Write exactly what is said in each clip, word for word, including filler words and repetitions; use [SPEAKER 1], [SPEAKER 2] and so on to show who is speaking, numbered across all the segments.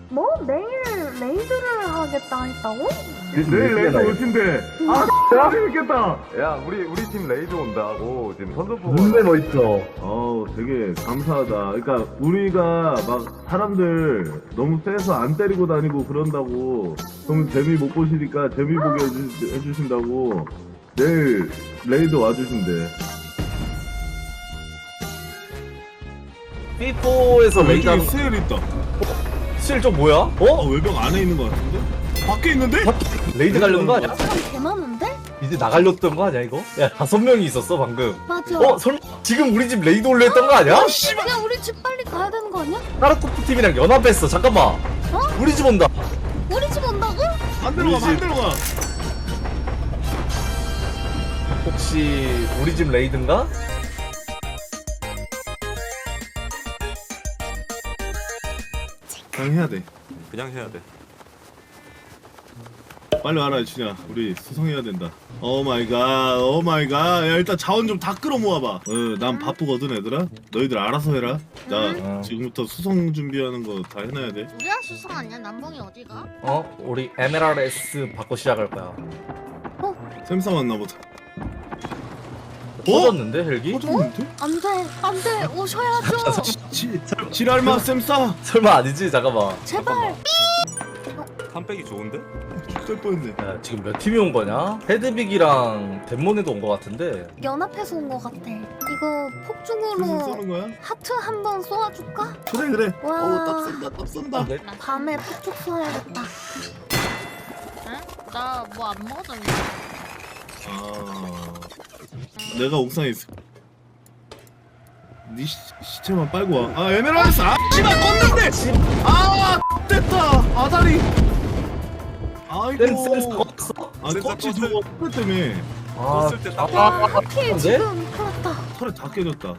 [SPEAKER 1] 뭐? 내일 레이드를 하겠다 했다고?
[SPEAKER 2] 내일 레이드 오신대. 아, 재밌겠다.
[SPEAKER 3] 야, 우리 우리 팀 레이드 온다고 지금 선전포고.
[SPEAKER 2] 눈매 멋있어. 어우, 되게 감사하다. 그러니까 우리가 막 사람들 너무 세서 안 때리고 다니고 그런다고 그럼 재미 못 보시니까 재미 보게 해주, 해주신다고 내일 레이드 와주신대.
[SPEAKER 4] 삐뽀에서 레이드 하는
[SPEAKER 2] 스일 있다.
[SPEAKER 4] 실 좀 뭐야?
[SPEAKER 2] 어,
[SPEAKER 4] 어?
[SPEAKER 2] 외벽 안에 있는 것 같은데? 밖에 있는데?
[SPEAKER 4] 레이드 가려는 거 아니야?
[SPEAKER 1] 사람 개 많은데?
[SPEAKER 4] 이제 나가려던 거 아니야 이거? 야 다섯 명이 있었어 방금.
[SPEAKER 1] 맞아.
[SPEAKER 4] 어? 설마 지금 우리 집 레이드 올려 했던 거 아니야?
[SPEAKER 1] 야 우리 집 빨리 가야 되는 거 아니야?
[SPEAKER 4] 까르코프 팀이랑 연합했어. 잠깐만.
[SPEAKER 1] 어?
[SPEAKER 4] 우리 집 온다.
[SPEAKER 1] 우리 집 온다고?
[SPEAKER 2] 안 들어가, 안 들어가.
[SPEAKER 4] 혹시 우리 집 레이드인가?
[SPEAKER 2] 그냥 해야 돼.
[SPEAKER 3] 그냥 해야 돼.
[SPEAKER 2] 빨리 와라, 준야. 우리 수성해야 된다. 오 마이 갓, 오 마이 갓. 야, 일단 자원 좀 다 끌어 모아봐. 어, 난 바쁘거든, 얘들아. 너희들 알아서 해라. 나
[SPEAKER 4] 응.
[SPEAKER 2] 지금부터 수성 준비하는 거 다 해놔야 돼.
[SPEAKER 5] 우리가 수성 아니야? 남봉이 어디가?
[SPEAKER 4] 어? 우리 엠에랄에스 받고 시작할 거야.
[SPEAKER 2] 샘사 왔나 보다.
[SPEAKER 4] 터졌는데 헬기?
[SPEAKER 2] 터졌는데?
[SPEAKER 1] 안돼 안돼 오셔야죠.
[SPEAKER 2] 지, 지랄마 샘사.
[SPEAKER 4] 설마 아니지? 잠깐만.
[SPEAKER 1] 제발.
[SPEAKER 3] 삼백이 좋은데?
[SPEAKER 2] 죽을 뻔했네.
[SPEAKER 4] 야, 지금 몇 팀이 온 거냐? 헤드빅이랑 덴모네도 온 거 같은데.
[SPEAKER 1] 연합해서 온 거 같아. 이거
[SPEAKER 2] 무슨
[SPEAKER 1] 폭죽으로
[SPEAKER 2] 쏘는 거야?
[SPEAKER 1] 하트 한 번 쏘아줄까?
[SPEAKER 2] 그래 그래.
[SPEAKER 1] 와.
[SPEAKER 2] 어우 딱 쏜다 딱 쏜다.
[SPEAKER 4] 네?
[SPEAKER 1] 밤에 폭죽 쏘아야겠다.
[SPEAKER 5] 응? 나 뭐 안 먹었잖아.
[SPEAKER 2] 아, 내가 옥상에 있어. 네 시, 시체만 빨고 와. 아 에메랄드. 아 씨발 껐는데. 아 됐다. 아다리. 아이고.
[SPEAKER 4] 쌤쌤 껐어?
[SPEAKER 2] 아 껐지 저거 털 때문에
[SPEAKER 4] 아,
[SPEAKER 3] 껐을 때 딱.
[SPEAKER 1] 야
[SPEAKER 4] 아,
[SPEAKER 1] 하필
[SPEAKER 4] 근데?
[SPEAKER 1] 지금 큰일 났다.
[SPEAKER 2] 털에 다 깨졌다.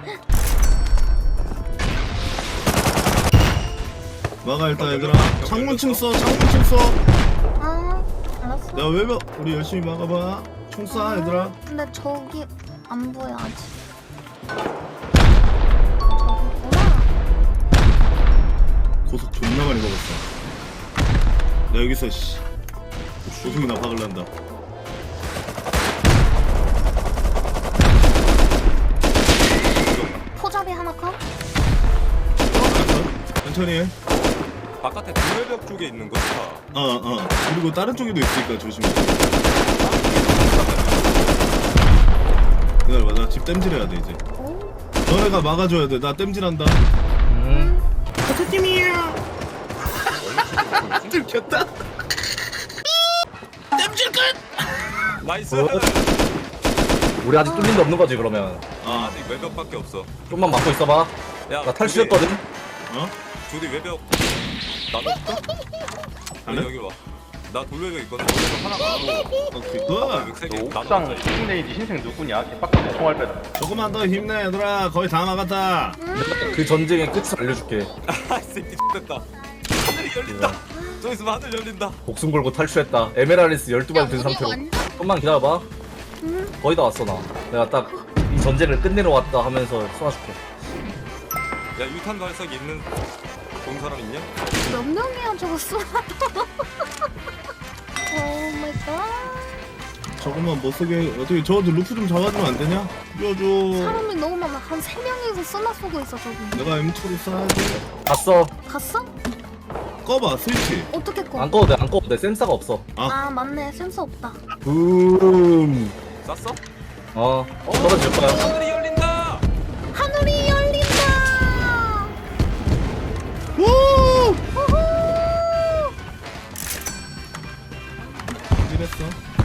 [SPEAKER 2] 막아 일단 얘들아. 창문층 써. 창문층 써.
[SPEAKER 1] 아 알았어.
[SPEAKER 2] 야 외벽 우리 열심히 막아봐. 총 쏴 얘들아.
[SPEAKER 1] 근데 저기 안 보여 아직. 저기구나.
[SPEAKER 2] 고속 존나 많이 먹었어. 나 여기서 씨 고속이나 박을란다.
[SPEAKER 1] 포잡이 하나 컷.
[SPEAKER 2] 천천히 해.
[SPEAKER 3] 바깥에 도매벽 쪽에 있는 거 다.
[SPEAKER 2] 어 어. 그리고 다른 쪽에도 있으니까 조심해. 기다려봐. 나 집 땜질해야 돼 이제.
[SPEAKER 1] 오.
[SPEAKER 2] 너네가 막아줘야 돼. 나 땜질한다.
[SPEAKER 4] 음.
[SPEAKER 2] 대표팀이야. 들켰다. 땜질 끝.
[SPEAKER 3] 나이스.
[SPEAKER 4] 어? 우리 아직 뚫린 데 없는 거지 그러면.
[SPEAKER 3] 아, 아직 외벽밖에 없어.
[SPEAKER 4] 좀만 막고 있어봐.
[SPEAKER 3] 야,
[SPEAKER 4] 나 탈출했거든.
[SPEAKER 2] 어?
[SPEAKER 3] 조디 외벽 나눠줄까?
[SPEAKER 2] 안
[SPEAKER 3] 아니
[SPEAKER 2] 해?
[SPEAKER 3] 여기 와. 나 돌외벽 있거든. 돌외벽 하나 가고
[SPEAKER 2] 오케이 굿.
[SPEAKER 3] 외벽 세 개.
[SPEAKER 6] 너 옥상 흰레이디 흰색 누구냐? 개빡치네 총알 빼다.
[SPEAKER 2] 조금만 더 힘내 얘들아. 거의 다 막았다.
[SPEAKER 4] 그 전쟁의 끝을 알려줄게.
[SPEAKER 3] 아이 새끼 됐다. 하늘이 열린다. 저 있으면 하늘 열린다.
[SPEAKER 4] 목숨 걸고 탈출했다. 에메랄리스 열두 발 든 상태로. 좀만 기다려봐.
[SPEAKER 1] 음.
[SPEAKER 4] 거의 다 왔어 나. 내가 딱 이 전쟁을 끝내러 왔다 하면서 쏘아줄게.
[SPEAKER 3] 야 유탄 발사기 있는 본 사람 있냐?
[SPEAKER 1] 몇 명이야 저거 쏘아도. 오 마이 갓.
[SPEAKER 2] 저것만 못 쓰게 어떻게 저도 루프 좀 잡아주면 안 되냐? 빌려줘.
[SPEAKER 1] 사람이 너무 많아. 한 세 명이서 쓰나 쏘고 있어 저기.
[SPEAKER 2] 내가 엠투를 쏴야지.
[SPEAKER 4] 갔어.
[SPEAKER 1] 갔어?
[SPEAKER 2] 꺼봐 스위치.
[SPEAKER 1] 어떻게 꺼?
[SPEAKER 4] 안 꺼도 돼. 안 꺼도 돼. 센서가 없어.
[SPEAKER 1] 아 맞네 센서 없다.
[SPEAKER 4] 붐.
[SPEAKER 3] 쐈어?
[SPEAKER 4] 어. 떨어질 거야.
[SPEAKER 3] 하늘이 열린다.
[SPEAKER 1] 하늘이 열린다.
[SPEAKER 2] 우!
[SPEAKER 1] 우후.
[SPEAKER 2] 이랬어.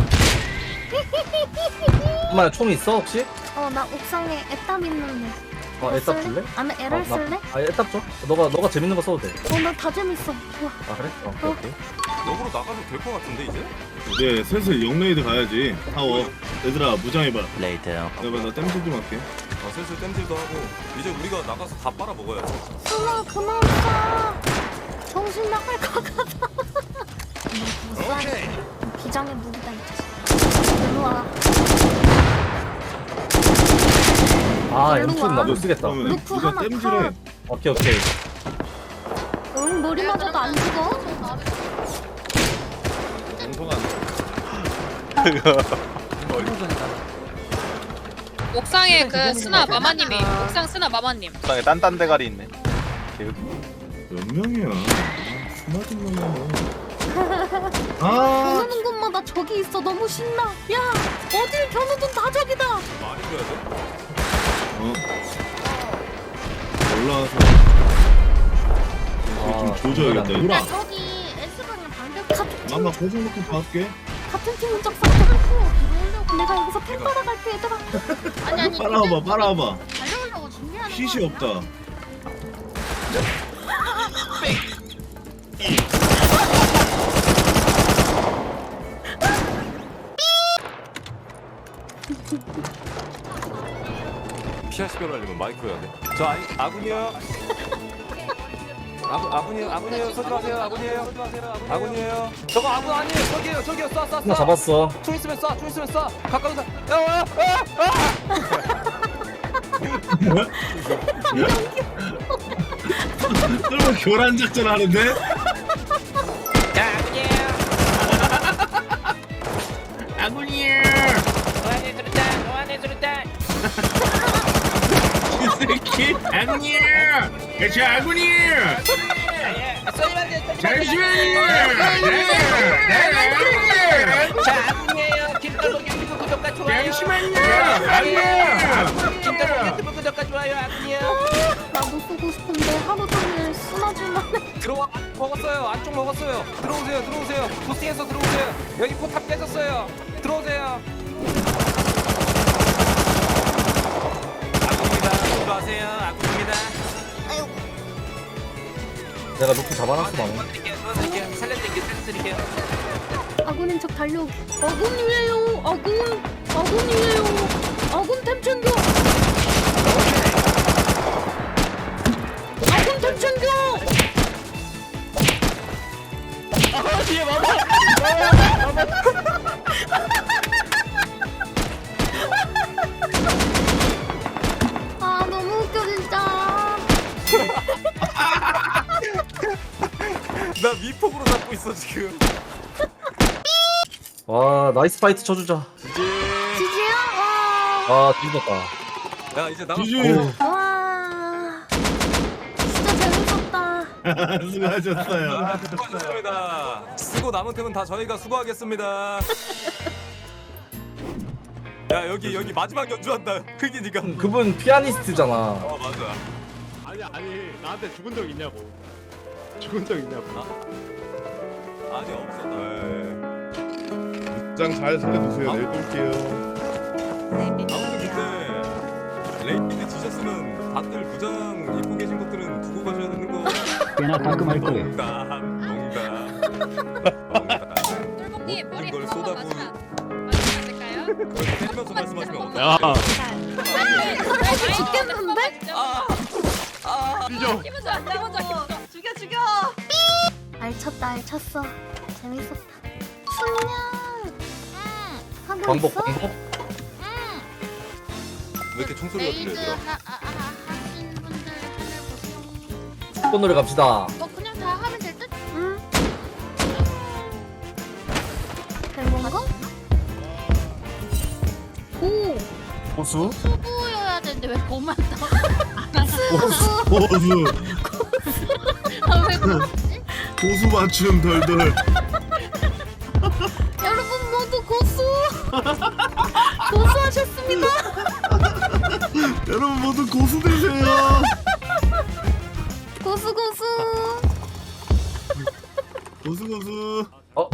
[SPEAKER 4] 엄마 총 있어 혹시?
[SPEAKER 1] 어나 옥상에 애답 있는데.
[SPEAKER 4] 어 애답 줄래?
[SPEAKER 1] 아니 에랄
[SPEAKER 4] 어, 나-
[SPEAKER 1] 쓸래?
[SPEAKER 4] 아 애답 줘. 너가 너가 재밌는 거 써도 돼.
[SPEAKER 1] 어나 다 재밌어. 좋아.
[SPEAKER 4] 아 그래? 어, 오케이 오케이.
[SPEAKER 3] 역으로 나가도 될 것 같은데 이제?
[SPEAKER 2] 이제 슬슬 영레이드 가야지. 타워. 얘들아 무장해봐.
[SPEAKER 7] 레이드
[SPEAKER 2] 내가 나 땜질 좀 할게.
[SPEAKER 3] 어, 슬슬 땜질도 하고 이제 우리가 나가서 다 빨아 먹어야지.
[SPEAKER 1] 수아 그만 쏴. 정신 나갈 것 같아. 못 쏴. 비장의 무기다 이 자식. 일로 와.
[SPEAKER 4] 아
[SPEAKER 1] 일로
[SPEAKER 4] 엠투는
[SPEAKER 1] 와.
[SPEAKER 4] 나못 쓰겠다.
[SPEAKER 2] 그러면
[SPEAKER 1] 루프
[SPEAKER 2] 누가
[SPEAKER 1] 하나
[SPEAKER 2] 땜질해.
[SPEAKER 1] 컷.
[SPEAKER 4] 오케이 오케이.
[SPEAKER 1] 응 머리 맞아도 안 죽어?
[SPEAKER 5] 옥상에 그 스나 마마님이 옥상 스나 마마님.
[SPEAKER 6] 땅에 딴딴 대가리 있네. 개웃기.
[SPEAKER 2] 몇 명이야? 스마트 명이야. 아,
[SPEAKER 1] 겨누는 곳마다 적이 있어. 너무 신나. 야, 어딜 겨누든 다 적이다.
[SPEAKER 3] 많이 줘야 돼?
[SPEAKER 2] 어. 올라와서 이거 좀
[SPEAKER 4] 아,
[SPEAKER 2] 조져야겠다.
[SPEAKER 4] 이거는
[SPEAKER 2] 유라,
[SPEAKER 1] 저기 S방향 방벽 같은 팀,
[SPEAKER 2] 나나 고정 놓고 봐올게.
[SPEAKER 1] 같은 팀은 적 싹둑고 내가 여기서 팬 받아갈게 얘들아.
[SPEAKER 5] 아니 아니.
[SPEAKER 2] 빨아와봐, 빨아와봐.
[SPEAKER 5] 달려오려고 준비하는 거.
[SPEAKER 2] 핏이 없다.
[SPEAKER 3] 피아시별로 하려면 마이크 해야 돼. 저 아니, 아군이요. 아군 아군이요 아군이요 쏘지 마세요 아군이에요 아군이에요. 저거 아군 아니에요 저기요 저기요 쏴 쏴
[SPEAKER 4] 나
[SPEAKER 3] 쏴.
[SPEAKER 4] 잡았어.
[SPEAKER 3] 총 있으면 쏴, 총 있으면 쏴. 가까운 사. 야, 와, 아,
[SPEAKER 2] 설마 교란 작전 하는데? 아군이에요. 이 새끼 아군이에요. 저 아군이에요. 잠시만요.
[SPEAKER 7] 자, 아군이에요. 김떨복 유튜브 구독과 좋아요.
[SPEAKER 2] 잠시만요. 아군이에요.
[SPEAKER 7] 김떨복 유튜브 구독과 좋아요. 아군이요.
[SPEAKER 1] 나도 쓰고 싶은데 하루 종일 쓰나줄만 해.
[SPEAKER 3] 들어와. 먹었어요. 안쪽 먹었어요. 들어오세요. 들어오세요. 부스팅해서 들어오세요. 여기 포탑 깨졌어요. 들어오세요. 아군입니다. 들어가세요. 아군입니다.
[SPEAKER 4] 내가 루프 잡아놨어 방금.
[SPEAKER 7] 도와드릴게요. 도와드릴게요. 살려드릴게요. 살려드릴게요.
[SPEAKER 1] 아군인 척 달려오기. 아군이에요. 아군. 아군이에요. 아군 템 챙겨. 아군 템 챙겨. 아 너무 웃겨 진짜.
[SPEAKER 3] 나 미폭으로 잡고 있어 지금.
[SPEAKER 4] 와 나이스 파이트 쳐주자.
[SPEAKER 3] 이제
[SPEAKER 1] 지지야.
[SPEAKER 4] 아 뒤졌다.
[SPEAKER 3] 야 이제 나가.
[SPEAKER 2] 지지.
[SPEAKER 1] 와. 와. 진짜 재밌었다.
[SPEAKER 2] 수고하셨어요.
[SPEAKER 3] 수고하셨습니다. 쓰고 남은 템은 다 저희가 수고하겠습니다. 야 여기 여기 마지막 연주한다. 흑인이가.
[SPEAKER 4] 그분 피아니스트잖아.
[SPEAKER 3] 어 맞아.
[SPEAKER 6] 아니 아니 나한테 죽은 적 있냐고. 죽은 적 있냐고.
[SPEAKER 3] 아니 없어. 네.
[SPEAKER 2] 장 잘 살려두세요. 내일 또 올게요.
[SPEAKER 3] 아무튼 그때 레이드 지셨으면 다들 부장 입고 계신 것들은 두고 가셔야 되는 거.
[SPEAKER 8] 꽤나 깔끔할 거예요.
[SPEAKER 3] 농담 농담 농담.
[SPEAKER 5] 똘봉님 머리
[SPEAKER 3] 걸
[SPEAKER 5] 한 번만
[SPEAKER 3] 쏟아부은
[SPEAKER 5] 맞으면 맞으면 안 될까요?
[SPEAKER 3] 그걸 때리면서 말씀하시면 어떡해요?
[SPEAKER 6] 야.
[SPEAKER 1] 사람이 죽겠는데?
[SPEAKER 6] 뒤져.
[SPEAKER 5] 기분 좋아 기분 좋아 기분 좋아. 죽여 죽여.
[SPEAKER 1] 알쳤다 알쳤어. 재밌었다. 순냥. 하고
[SPEAKER 4] 반복
[SPEAKER 1] 있어?
[SPEAKER 4] 반복.
[SPEAKER 3] 왜 이렇게 총소리가 들려
[SPEAKER 5] 레이드
[SPEAKER 3] 얘들아?
[SPEAKER 5] 하, 아, 아, 하신 분들 하늘 보세요.
[SPEAKER 4] 십 번 노래 갑시다.
[SPEAKER 5] 뭐 그냥 다 하면 될 듯?
[SPEAKER 1] 응. 된 건가? 오.
[SPEAKER 4] 고수.
[SPEAKER 5] 수부여야 되는데 왜 고만 떠?
[SPEAKER 2] 보수.
[SPEAKER 5] 아왜 고맙지?
[SPEAKER 2] 보수 맞춤 덜덜.
[SPEAKER 1] 여러분 모두 고수. 고수하셨습니다.
[SPEAKER 2] 여러분 모두 고수 되세요.
[SPEAKER 1] 고수 고수.
[SPEAKER 2] 고수 고수.
[SPEAKER 4] 어?